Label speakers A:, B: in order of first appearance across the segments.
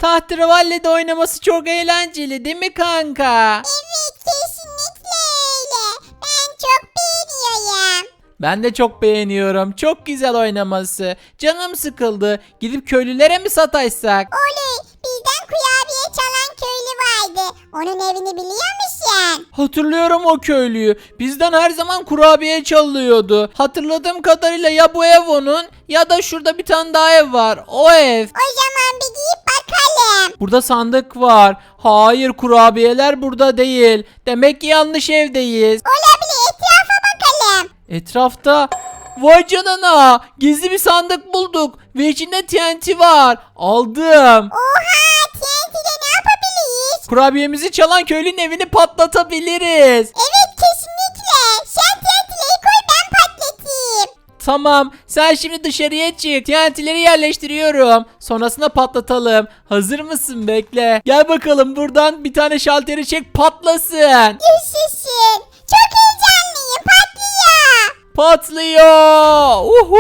A: Tahterevalli'de oynaması çok eğlenceli değil mi kanka?
B: Evet, kesinlikle öyle. Ben çok beğeniyorum.
A: Ben de çok beğeniyorum. Çok güzel oynaması. Canım sıkıldı. Gidip köylülere mi sataşsak?
B: Oley, bizden kurabiye çalan köylü vardı. Onun evini biliyor musun?
A: Hatırlıyorum o köylüyü. Bizden her zaman kurabiye çalıyordu. Hatırladığım kadarıyla ya bu ev onun ya da şurada bir tane daha ev var. O ev.
B: O zaman bir gidip bakalım.
A: Burada sandık var. Hayır, kurabiyeler burada değil. Demek ki yanlış evdeyiz.
B: Olabilir, etrafa bakalım.
A: Etrafta vay canına, gizli bir sandık bulduk ve içinde TNT var. Aldım.
B: Oha, TNT'de ne yapabiliriz?
A: Kurabiyemizi çalan köylünün evini patlatabiliriz.
B: Evet, kesinlikle. Sen TNT'leri koy, ben patlatayım.
A: Tamam, sen şimdi dışarıya çık. TNT'leri yerleştiriyorum. Sonrasında patlatalım. Hazır mısın? Bekle. Gel bakalım, buradan bir tane şalteri çek, patlasın.
B: Yaşasın. Çok heyecanlıyım, patlıyor.
A: Patlıyor.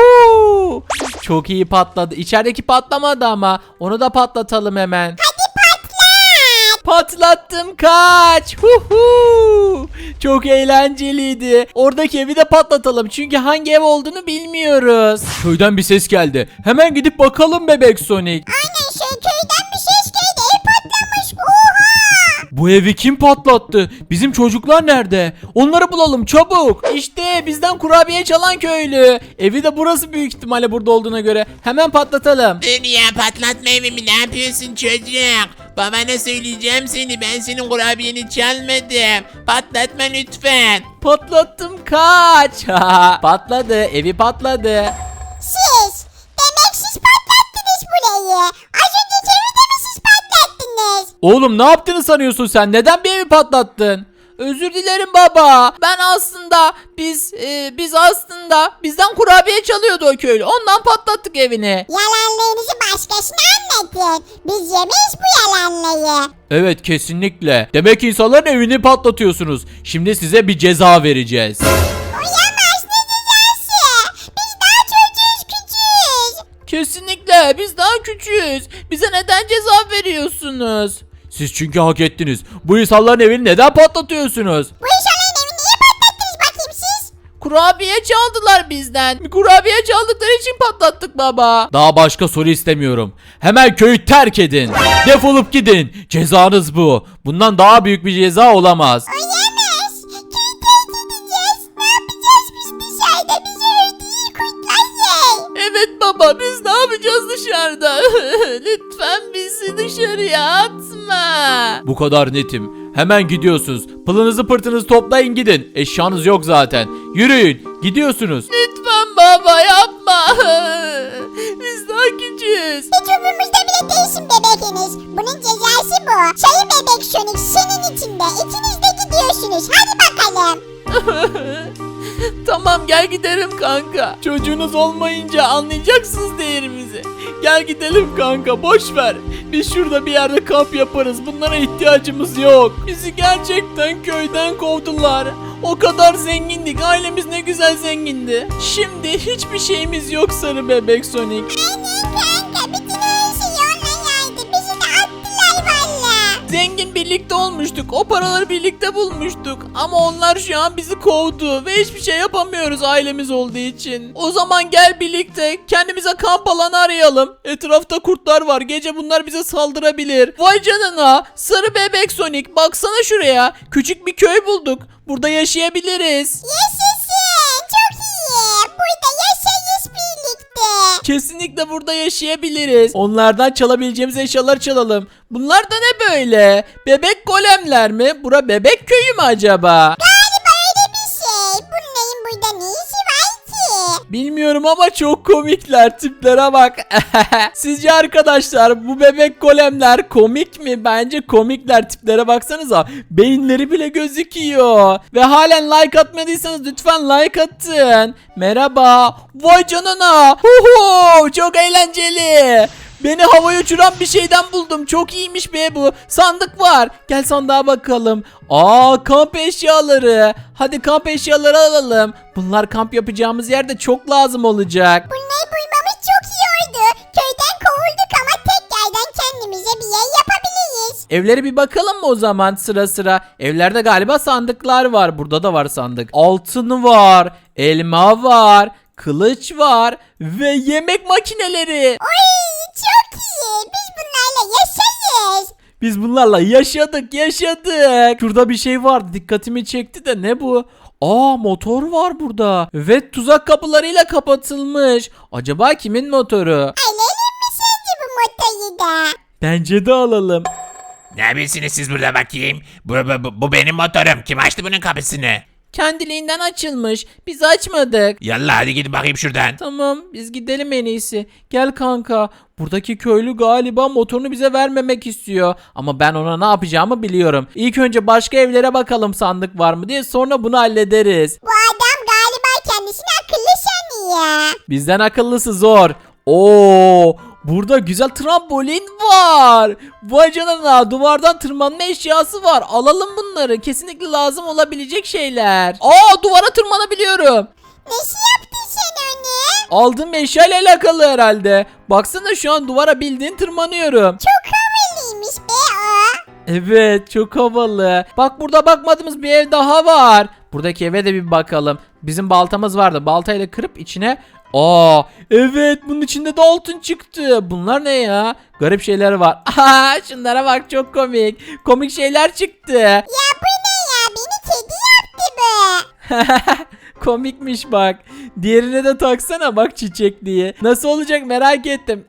A: Uhu. Çok iyi patladı. İçerideki patlamadı ama. Onu da patlatalım hemen.
B: Hadi patlat.
A: Patlattım, kaç. Huhu. Çok eğlenceliydi. Oradaki evi de patlatalım. Çünkü hangi ev olduğunu bilmiyoruz. Köyden bir ses geldi. Hemen gidip bakalım bebek Sonic.
B: Aynen, şey, köyden bir ses geldi, ev patlamış. Oha.
A: Bu evi kim patlattı? Bizim çocuklar nerede? Onları bulalım çabuk. İşte bizden kurabiye çalan köylü. Evi de burası büyük ihtimalle, burada olduğuna göre. Hemen patlatalım.
C: Dur ya, patlatma evimi, ne yapıyorsun çocuk? Babana söyleyeceğim seni, ben senin kurabiyeni çalmadım. Patlatma lütfen.
A: Patlattım, kaç. Patladı, evi patladı.
B: Siz, demek siz patlattınız burayı. Az önceki evi de mi siz patlattınız?
A: Oğlum, ne yaptığını sanıyorsun sen? Neden bir evi patlattın? Özür dilerim baba. Ben aslında biz aslında bizden kurabiye çalıyordu o köylü. Ondan patlattık evini.
B: Yalanlarınızı başkasına anlatın. Biz yemeyiz bu yalanları.
A: Evet, kesinlikle. Demek insanların evini patlatıyorsunuz. Şimdi size bir ceza vereceğiz.
B: Oyamaz, ne cezası? Biz daha çocuğuz, küçüğüz.
A: Kesinlikle, biz daha küçüğüz. Bize neden ceza veriyorsunuz? Siz çünkü hak ettiniz. Bu insanların evini neden patlatıyorsunuz?
B: Bu insanların evini niye patlattınız bakayım siz?
A: Kurabiye çaldılar bizden. Bir kurabiye çaldıkları için patlattık baba. Daha başka soru istemiyorum. Hemen köyü terk edin. Defolup gidin. Cezanız bu. Bundan daha büyük bir ceza olamaz.
B: Oyamaz. Köyü terk edeceğiz. Ne yapacağız biz dışarıda? Bizi öldürür kurtlar.
A: Evet baba, biz ne yapacağız dışarıda? Lütfen bizi dışarıya atma. Bu kadar netim. Hemen gidiyorsunuz. Pılınızı pırtınızı toplayın, gidin. Eşyanız yok zaten. Yürüyün. Gidiyorsunuz. Lütfen baba, yapma. Biz daha küçüğüz.
B: Hiç umurumuzda bile değilsin bebekiniz. Bunun cezası bu. Sayın bebek Sonic senin içinde. İkiniz de gidiyorsunuz. Hadi bakalım.
A: Tamam, gel gidelim kanka. Çocuğunuz olmayınca anlayacaksınız değerimizi. Gel gidelim kanka, boş ver. Biz şurada bir yerde kamp yaparız. Bunlara ihtiyacımız yok. Bizi gerçekten köyden kovdular. O kadar zengindik. Ailemiz ne güzel zengindi. Şimdi hiçbir şeyimiz yok sarı bebek Sonic.
B: Aynen kanka. Bütün her şey onunla yaydı. Bizi de attılar valla.
A: Zengin birlikte olmuştuk. O paraları birlikte bulmuştuk. Ama onlar şu an bizi kovdu. Ve hiçbir şey yapamıyoruz ailemiz olduğu için. O zaman gel birlikte kendimize kamp alanı arayalım. Etrafta kurtlar var. Gece bunlar bize saldırabilir. Vay canına. Sarı bebek Sonic. Baksana şuraya. Küçük bir köy bulduk. Burada yaşayabiliriz.
B: Yaşasın. Çok iyi. Burada yaşayız birlikte.
A: Kesinlikle burada yaşayabiliriz. Onlardan çalabileceğimiz eşyalar çalalım. Bunlar da ne böyle? Bebek golemler mi? Bura bebek köyü mü acaba?
B: Galiba öyle bir şey. Bunların burada ne işi var ki?
A: Bilmiyorum ama çok komikler, tiplere bak. Sizce arkadaşlar bu bebek golemler komik mi? Bence komikler, tiplere baksanıza. Beyinleri bile gözüküyor. Ve halen like atmadıysanız lütfen like atın. Merhaba. Vay canına. Huhu, çok eğlenceli. Beni havaya uçuran bir şeyden buldum. Çok iyiymiş be bu. Sandık var. Gel sandığa bakalım. Kamp eşyaları. Hadi kamp eşyaları alalım. Bunlar kamp yapacağımız yerde çok lazım olacak.
B: Bunları bulmamız çok iyi oldu. Köyden kovulduk ama tekrardan kendimize bir yer
A: Evlere bir bakalım mı o zaman sıra sıra? Evlerde galiba sandıklar var. Burada da var sandık. Altın var, elma var, kılıç var ve yemek makineleri.
B: Oy çok iyi. Biz bunlarla yaşayız.
A: Biz bunlarla yaşadık. Şurada bir şey vardı, dikkatimi çekti de ne bu? Aa, motor var burada. Evet, tuzak kapılarıyla kapatılmış. Acaba kimin motoru?
B: Alalım mı sence bu motoyu da?
A: Bence de alalım.
C: Ne yapıyorsunuz siz burada bakayım? Bu benim motorum. Kim açtı bunun kapısını?
A: Kendiliğinden açılmış. Biz açmadık.
C: Yallah hadi gidin bakayım şuradan.
A: Tamam, biz gidelim en iyisi. Gel kanka. Buradaki köylü galiba motorunu bize vermemek istiyor. Ama ben ona ne yapacağımı biliyorum. İlk önce başka evlere bakalım sandık var mı diye, sonra bunu hallederiz.
B: Bu adam galiba kendisini akıllı sanıyor.
A: Bizden akıllısı zor. Oo, burada güzel trambolin var. Vay canına, duvardan tırmanma eşyası var. Alalım bunları. Kesinlikle lazım olabilecek şeyler. Aa, duvara tırmanabiliyorum.
B: Nasıl yaptın sen onu?
A: Aldığım eşyayla alakalı herhalde. Baksana, şu an duvara bildiğin tırmanıyorum.
B: Çok havalıymış be o.
A: Evet, çok havalı. Bak, burada bakmadığımız bir ev daha var. Buradaki eve de bir bakalım. Bizim baltamız vardı. Baltayla kırıp içine... Aa, evet, bunun içinde de altın çıktı. Bunlar ne ya? Garip şeyler var. Aha, şunlara bak, çok komik. Komik şeyler çıktı.
B: Ya bu ne ya? Beni kedi yaptı bu.
A: Komikmiş bak. Diğerine de taksana bak, çiçekliği. Nasıl olacak merak ettim.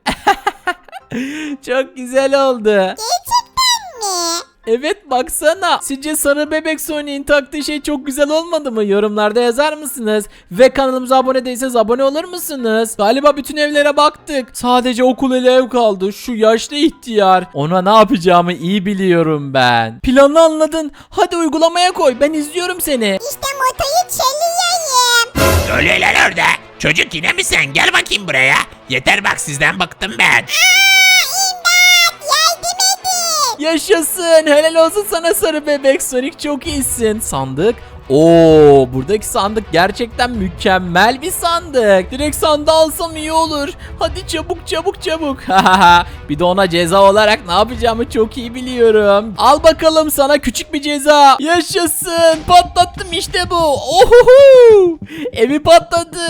A: Çok güzel oldu.
B: Gerçekten mi?
A: Evet, baksana. Sizce sarı bebek Sonic'in taktığı şey çok güzel olmadı mı? Yorumlarda yazar mısınız? Ve kanalımıza abone değilseniz abone olur musunuz? Galiba bütün evlere baktık. Sadece okul ile ev kaldı. Şu yaşlı ihtiyar. Ona ne yapacağımı iyi biliyorum ben. Planı anladın. Hadi uygulamaya koy. Ben izliyorum seni.
B: İşte motoyu çalıyorum.
C: Ne oluyor lan orada? Çocuk yine mi sen? Gel bakayım buraya. Yeter bak, sizden bıktım ben.
B: İmdat yardım edin.
A: Yaşasın. Helal olsun sana sarı bebek Sonic. Çok iyisin. Sandık. Oo, buradaki sandık gerçekten mükemmel bir sandık. Direkt sandığı alsam iyi olur. Hadi çabuk. Bir de ona ceza olarak ne yapacağımı çok iyi biliyorum. Al bakalım sana küçük bir ceza. Yaşasın. Patlattım işte bu. Ohoho. Evi patladı.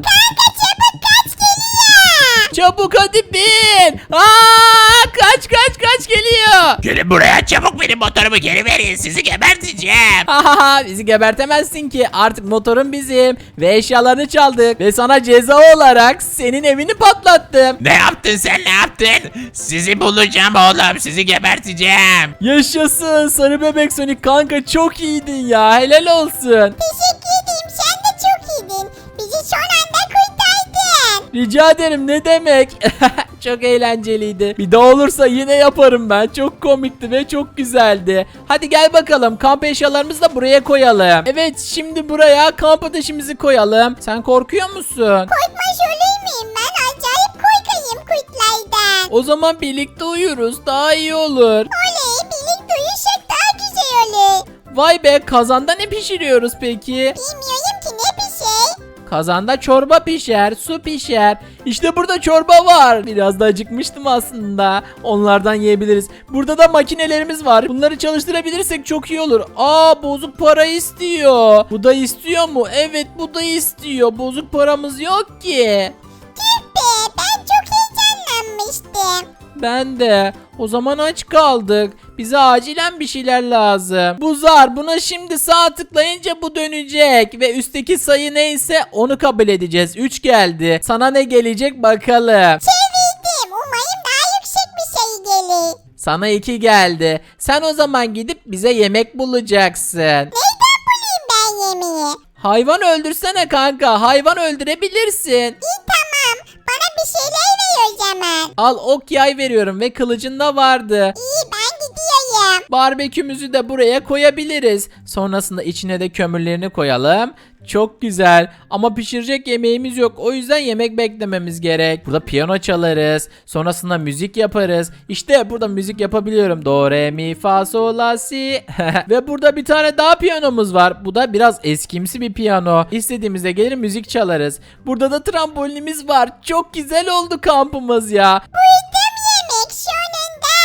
A: Çabuk hadi bin. Aa, kaç geliyor.
C: Gelin buraya çabuk, benim motorumu geri verin, sizi geberteceğim.
A: Bizi gebertemezsin ki, artık motorun bizim ve eşyalarını çaldık ve sana ceza olarak senin evini patlattım.
C: Ne yaptın sen, ne yaptın? Sizi bulacağım oğlum, sizi geberteceğim.
A: Yaşasın sarı bebek Sonic kanka, çok iyiydin ya, helal olsun.
B: Teşekkür ederim. Sen de çok iyiydin. Bizi son anda kurtardın.
A: Rica ederim, ne demek. Çok eğlenceliydi. Bir daha olursa yine yaparım ben. Çok komikti ve çok güzeldi. Hadi gel bakalım, kamp eşyalarımızı da buraya koyalım. Evet, şimdi buraya kamp ateşimizi koyalım. Sen korkuyor musun?
B: Korkmaz olur muyum ben? Acayip korkayım kurtlardan.
A: O zaman birlikte uyuruz, daha iyi olur.
B: Oley, birlikte uyusak daha güzel olur.
A: Vay be, kazanda ne pişiriyoruz peki?
B: Bilmiyorum ki ne bir şey.
A: Kazanda çorba pişer, su pişer. İşte burada çorba var. Biraz da acıkmıştım aslında. Onlardan yiyebiliriz. Burada da makinelerimiz var. Bunları çalıştırabilirsek çok iyi olur. Aa, bozuk para istiyor. Bu da istiyor mu? Evet, bu da istiyor. Bozuk paramız yok ki.
B: Tüh be, ben çok heyecanlanmıştım.
A: Ben de. O zaman aç kaldık. Bize acilen bir şeyler lazım. Bu zar, buna şimdi sağ tıklayınca bu dönecek. Ve üstteki sayı neyse onu kabul edeceğiz. 3 geldi. Sana ne gelecek bakalım.
B: Çevirdim. Umarım daha yüksek bir sayı gelir.
A: Sana 2 geldi. Sen o zaman gidip bize yemek bulacaksın.
B: Neyden bulayım ben yemeği?
A: Hayvan öldürsene kanka. Hayvan öldürebilirsin.
B: İyi tamam. Bana bir şeyler ver o zaman.
A: Al, ok yay veriyorum ve kılıcın da vardı.
B: İyi ben gidiyorum.
A: Barbekümüzü de buraya koyabiliriz. Sonrasında içine de kömürlerini koyalım. Çok güzel. Ama pişirecek yemeğimiz yok. O yüzden yemek beklememiz gerek. Burada piyano çalarız. Sonrasında müzik yaparız. İşte burada müzik yapabiliyorum. Do, re, mi, fa, sol, la, si. Ve burada bir tane daha piyanomuz var. Bu da biraz eskimsi bir piyano. İstediğimizde gelir müzik çalarız. Burada da trambolinimiz var. Çok güzel oldu kampımız ya.
B: Buydum yemek sonunda.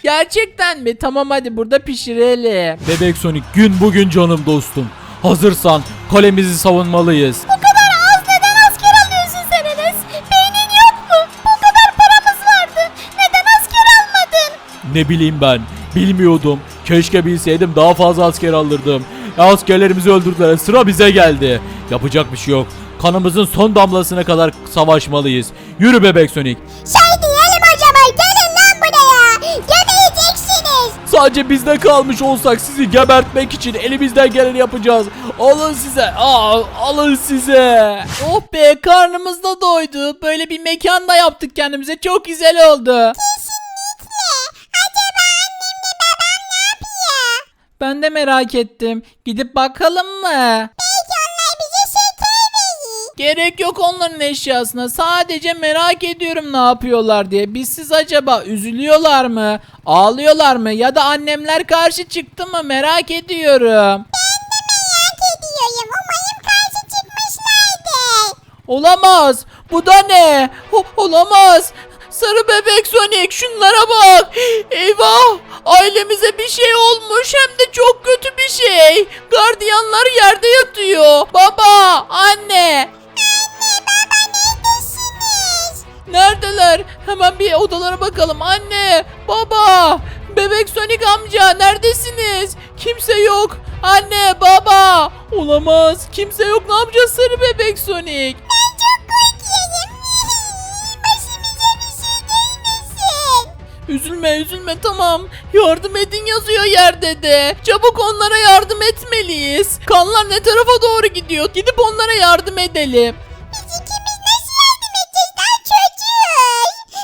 A: Gerçekten mi? Tamam hadi burada pişirelim. Bebek Sonic gün bugün canım dostum. Hazırsan kalemizi savunmalıyız.
B: Bu kadar az neden asker alıyorsun sen Enes? Beynin yok mu? Bu kadar paramız vardı. Neden asker almadın?
A: Ne bileyim ben. Bilmiyordum. Keşke bilseydim daha fazla asker alırdım. Askerlerimizi öldürdüler. Sıra bize geldi. Yapacak bir şey yok. Kanımızın son damlasına kadar savaşmalıyız. Yürü Bebek Sonic.
B: Şey diyelim o zaman gelin lan buraya. Gömeyeceksiniz.
A: Sadece bizde kalmış olsak sizi gebertmek için elimizden geleni yapacağız. Alın size. Alın size. Oh be karnımız da doydu. Böyle bir mekan da yaptık kendimize. Çok güzel oldu.
B: Kesinlikle. Acaba annemle babam ne yapıyor?
A: Ben de merak ettim. Gidip bakalım mı?
B: Belki onlar bize şeker verir.
A: Gerek yok onların eşyasına. Sadece merak ediyorum ne yapıyorlar diye. Bizsiz acaba üzülüyorlar mı? Ağlıyorlar mı? Ya da annemler karşı çıktı mı? Merak ediyorum.
B: Merak ediyorum. Umarım karşı çıkmışlardır.
A: Olamaz. Bu da ne? Olamaz. Sarı bebek Sonic şunlara bak. Eyvah. Ailemize bir şey olmuş hem de çok kötü bir şey. Gardiyanlar yerde yatıyor. Baba, anne.
B: Neredesiniz?
A: Neredeler? Hemen bir odalara bakalım. Anne, baba, bebek Sonic amca neredesiniz? Kimse yok. Anne, baba. Olamaz. Kimse yok. Ne yapacağız sarı bebek Sonic?
B: Ben çok korkuyorum. Başımıza bir şey gelmesin.
A: Üzülme tamam. Yardım edin yazıyor yerde de. Çabuk onlara yardım etmeliyiz. Kanlar ne tarafa doğru gidiyor? Gidip onlara yardım edelim.
B: Biz ikimiz nasıl yardım edeceğiz? Daha çocuğuz.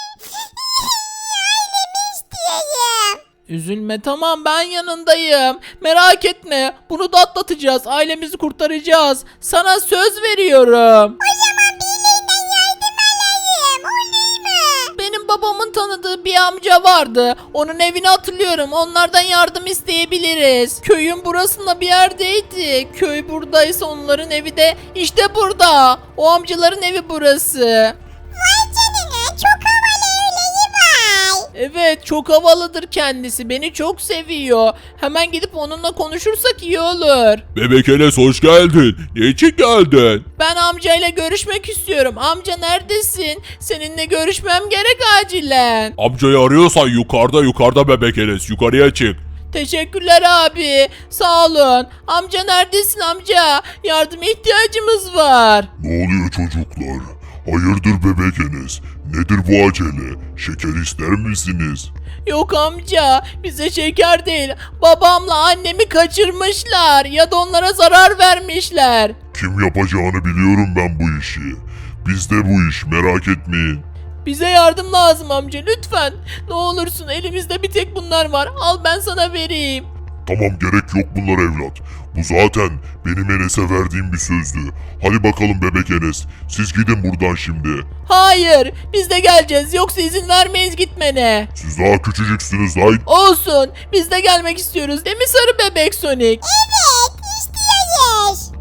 B: Ailemi istiyorum.
A: Üzülme tamam ben yanındayım. Merak etme. Bunu da atlatacağız. Ailemizi kurtaracağız. Sana söz veriyorum.
B: O zaman birilerinden yardım alayım. Olur mu?
A: Benim babamın tanıdığı bir amca vardı. Onun evini hatırlıyorum. Onlardan yardım isteyebiliriz. Köyün burasında bir yerdeydi. Köy buradaysa onların evi de işte burada. O amcaların evi burası.
B: Vay canına çok havalı öleği var.
A: Evet çok havalıdır kendisi. Beni çok seviyor. Hemen gidip onunla konuşursak iyi olur.
D: Bebek Enes hoş geldin. Niçin geldin?
A: Ben amcayla görüşmek istiyorum. Amca neredesin? Seninle görüşmem gerek acilen.
D: Amcayı arıyorsan yukarıda Bebek Enes. Yukarıya çık.
A: Teşekkürler abi. Sağ olun. Amca neredesin amca? Yardıma ihtiyacımız var.
D: Ne oluyor çocuklar? Hayırdır Bebek Enes? Nedir bu acele? Şeker ister misiniz?
A: Yok amca. Bize şeker değil. Babamla annemi kaçırmışlar. Ya da onlara zarar vermişler.
D: Kim yapacağını biliyorum ben bu işi. Bizde bu iş merak etmeyin.
A: Bize yardım lazım amca lütfen. Ne olursun elimizde bir tek bunlar var. Al ben sana vereyim.
D: Tamam gerek yok bunlar evlat. Bu zaten benim Enes'e verdiğim bir sözdü. Hadi bakalım Bebek Enes. Siz gidin buradan şimdi.
A: Hayır biz de geleceğiz yoksa izin vermeyiz gitmene.
D: Siz daha küçücüksünüz lan.
A: Olsun biz de gelmek istiyoruz değil mi sarı bebek Sonic?
B: Evet istiyoruz.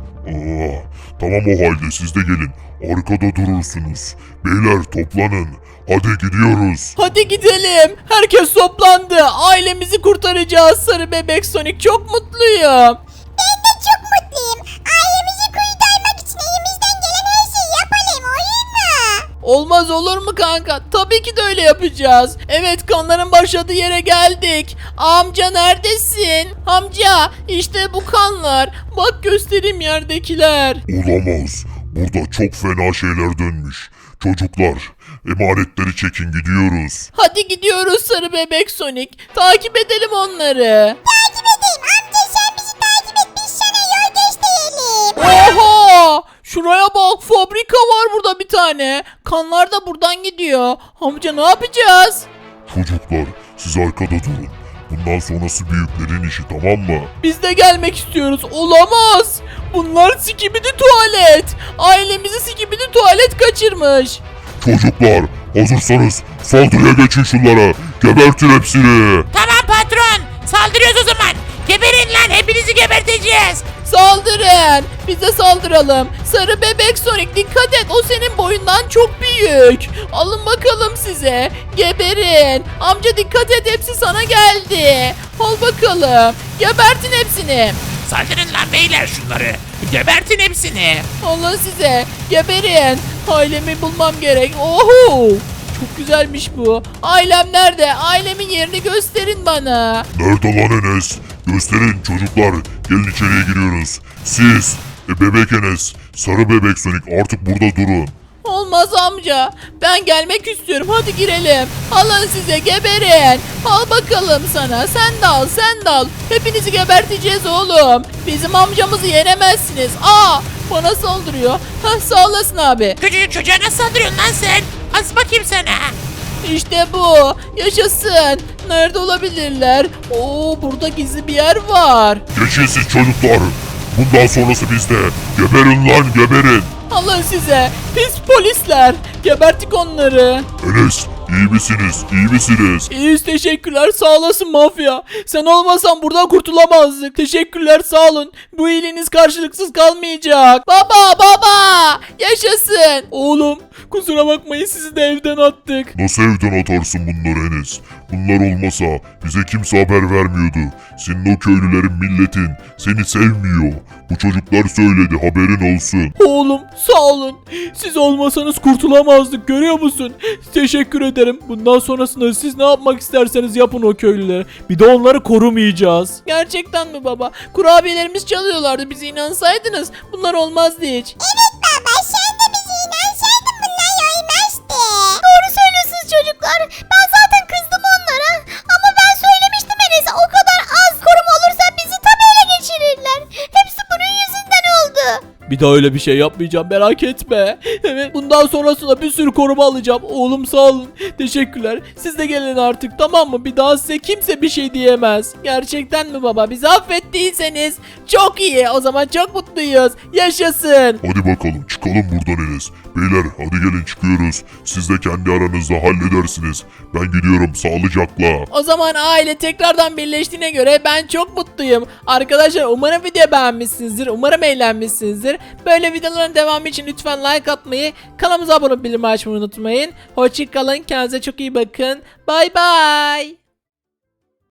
D: Tamam o halde siz de gelin. Arkada durursunuz. Beyler toplanın. Hadi gidiyoruz.
A: Hadi gidelim. Herkes toplandı. Ailemizi kurtaracağız sarı bebek Sonic. Çok mutluyum.
B: Ben de çok mutluyum. Ailemizi kurtarmak için elimizden gelen her şeyi yapalım olur mu?
A: Olmaz olur mu kanka? Tabii ki de öyle yapacağız. Evet kanların başladığı yere geldik. Amca neredesin? Amca işte bu kanlar. Bak göstereyim yerdekiler.
D: Olamaz. Burada çok fena şeyler dönmüş. Çocuklar, emanetleri çekin gidiyoruz.
A: Hadi gidiyoruz sarı bebek Sonic. Takip edelim onları.
B: Takip edeyim amca sen bizi takip et biz sana yol gösterelim.
A: Oha! Şuraya bak fabrika var burada bir tane. Kanlar da buradan gidiyor. Amca ne yapacağız?
D: Çocuklar, siz arkada durun. Bundan sonrası büyüklerin işi tamam mı?
A: Biz de gelmek istiyoruz. Olamaz. Bunlar sikibidi tuvalet. Ailemizi sikibidi tuvalet kaçırmış.
D: Çocuklar, hazırsanız saldırıya geçin şunlara. Gebertin hepsini.
C: Tamam patron. Saldırıyoruz o zaman. Geberin lan hepinizi geberteceğiz.
A: Saldırın. Biz de saldıralım. Sarı bebek Sonic dikkat et. O senin boyundan çok büyük. Alın bakalım size. Geberin. Amca dikkat et, hepsi sana geldi. Al bakalım. Gebertin hepsini.
C: Saldırın lan beyler şunları. Gebertin hepsini.
A: Allah size. Geberin. Ailemi bulmam gerek. Oho. Çok güzelmiş bu. Ailem nerede? Ailemin yerini gösterin bana.
D: Nerede lan Enes? Gösterin çocuklar. Gelin içeriye giriyoruz. Siz, bebek Enes, sarı bebek Sonic artık burada durun.
A: Olmaz amca. Ben gelmek istiyorum. Hadi girelim. Alın size, geberin. Al bakalım sana. Sen de al, sen de al. Hepinizi geberteceğiz oğlum. Bizim amcamızı yenemezsiniz. Aa, bana saldırıyor. Hah, sağ olasın abi.
C: Küçücük çocuğa nasıl saldırıyorsun lan sen? Az bakayım sana.
A: İşte bu. Yaşasın. Nerede olabilirler? Oo, burada gizli bir yer var.
D: Geçin siz çocuklar. Bundan sonrası bizde. Geberin lan geberin.
A: Alın size. Pis polisler. Gebertik onları.
D: Enes, iyi misiniz? İyi misiniz?
A: İyiyiz, teşekkürler, sağ olasın mafya. Sen olmasan buradan kurtulamazdık. Teşekkürler, sağ olun. Bu iyiliğiniz karşılıksız kalmayacak. Baba yaşasın. Oğlum kusura bakmayın, sizi de evden attık.
D: Nasıl evden atarsın bunları Enes? Bunlar olmasa bize kimse haber vermiyordu. Senin o köylülerin, milletin seni sevmiyor. Bu çocuklar söyledi, haberin olsun.
A: Oğlum sağ olun. Siz olmasanız kurtulamazdık, görüyor musun? Teşekkür ederim. Bundan sonrasında siz ne yapmak isterseniz yapın o köylülere. Bir de onları korumayacağız. Gerçekten mi baba? Kurabiyelerimiz çalıyorlardı, bize inansaydınız bunlar olmazdı hiç.
B: Evet baba, sen de bize inansaydın bunlar olmazdı. Doğru söylüyorsunuz çocuklar. Ben zaten kızdım onlara. Ama ben söylemiştim Enes'e, o kadar az koruma olursa bizi tabii ele geçirirler. Hepsi bunun yüzünden oldu.
A: Bir daha öyle bir şey yapmayacağım, merak etme. Evet, bundan sonrasında bir sürü koruma alacağım. Oğlum sağ olun. Teşekkürler. Siz de gelin artık, tamam mı? Bir daha size kimse bir şey diyemez. Gerçekten mi baba? Bizi affettiyseniz çok iyi. O zaman çok mutluyuz. Yaşasın.
D: Hadi bakalım çıkalım buradan Enes. Beyler hadi gelin çıkıyoruz. Siz de kendi aranızda halledersiniz. Ben gidiyorum sağlıcakla.
A: O zaman aile tekrardan birleştiğine göre ben çok mutluyum. Arkadaşlar umarım video beğenmişsinizdir. Umarım eğlenmişsinizdir. Böyle videoların devamı için lütfen like atmayı, kanalımıza abone olup bildirim açmayı unutmayın. Hoşçakalın. Kendinize çok iyi bakın. Bay bay.